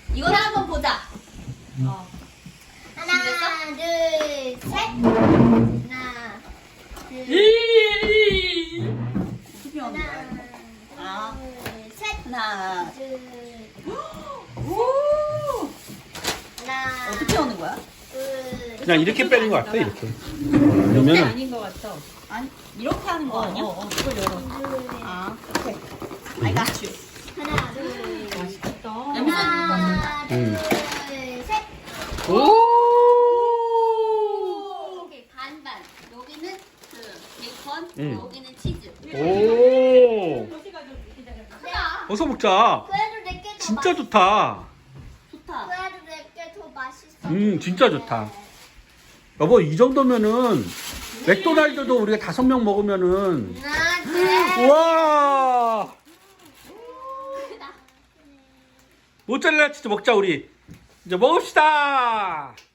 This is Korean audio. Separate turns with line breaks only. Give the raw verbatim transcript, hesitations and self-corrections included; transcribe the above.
이거를 한번 보자. 어.
하나, 둘, 셋. 하나, 둘,
투표 하는 거야.
하나,
아.
둘, 셋.
하나.
둘,
오.
하나,
어떻게 하는 거야?
둘,
그냥 이렇게 빼는 것 같아 이렇게.
이렇게
그러면은
아닌 것 같아. 아니 이렇게 하는 거 아니야? 어, 그걸 열어.
둘,
아, 오케이. I got you.
하나, 둘,
맛있겠다.
하나, 둘,
음.
셋.
오.
오케이, 반반. 여기는 그 베이컨,
음.
여기는 치즈.
오.
크다.
어서 먹자.
그래도 내게 더
진짜
맛있어.
좋다.
좋다.
그래도 내게 더 맛있어.
음, 진짜 좋다. 여보 이 정도면은 맥도날드도 우리가 다섯 명 먹으면은
하나, 둘,
우와.
크다.
모짜렐라 치즈 먹자 우리. 이제 먹읍시다.